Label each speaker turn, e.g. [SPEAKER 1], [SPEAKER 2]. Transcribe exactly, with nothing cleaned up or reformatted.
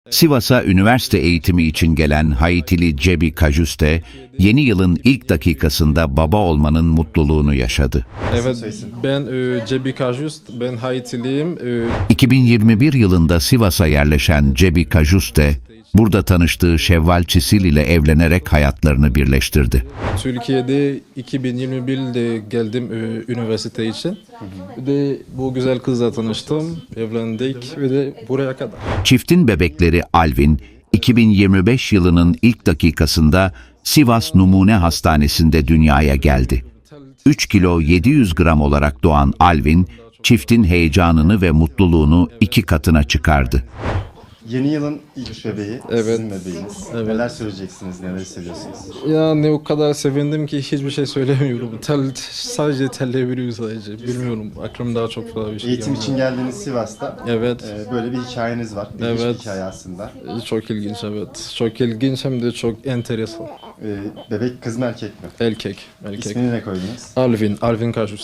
[SPEAKER 1] Sivas'a üniversite eğitimi için gelen Haitili Cebi Kajuste, yeni yılın ilk dakikasında baba olmanın mutluluğunu yaşadı.
[SPEAKER 2] Evet, ben e, Cebi Kajust, ben Haitiliyim. E,
[SPEAKER 1] iki bin yirmi bir yılında Sivas'a yerleşen Cebi Kajuste, burada tanıştığı Şevval Çisil ile evlenerek hayatlarını birleştirdi.
[SPEAKER 2] Türkiye'de iki bin yirmi birde geldim e, üniversite için. Bir de bu güzel kızla tanıştım, evlendik ve de buraya kadar.
[SPEAKER 1] Çiftin bebekleri Alvin, iki bin yirmi beş yılının ilk dakikasında Sivas Numune Hastanesi'nde dünyaya geldi. üç kilo yedi yüz gram olarak doğan Alvin, çiftin heyecanını ve mutluluğunu iki katına çıkardı.
[SPEAKER 3] Yeni yılın ilk bebeği,
[SPEAKER 2] Evet.
[SPEAKER 3] sizin bebeğiniz.
[SPEAKER 2] Evet.
[SPEAKER 3] Neler söyleyeceksiniz, neler hissediyorsunuz?
[SPEAKER 2] Yani o kadar sevindim ki hiçbir şey söylemiyorum. Tel, sadece telleyebiliyorum sadece. Bilmiyorum, aklımda çok fazla bir şey
[SPEAKER 3] Eğitim
[SPEAKER 2] gelmiyor.
[SPEAKER 3] için geldiğiniz Sivas'ta
[SPEAKER 2] Evet.
[SPEAKER 3] e, böyle bir hikayeniz var. İlginç
[SPEAKER 2] Evet.
[SPEAKER 3] bir hikaye aslında.
[SPEAKER 2] Çok ilginç, evet. Çok ilginç hem de çok enteresan.
[SPEAKER 3] E, bebek kız mı erkek mi?
[SPEAKER 2] Erkek, erkek.
[SPEAKER 3] İsmini ne koydunuz?
[SPEAKER 2] Alvin, Alvin Kajust.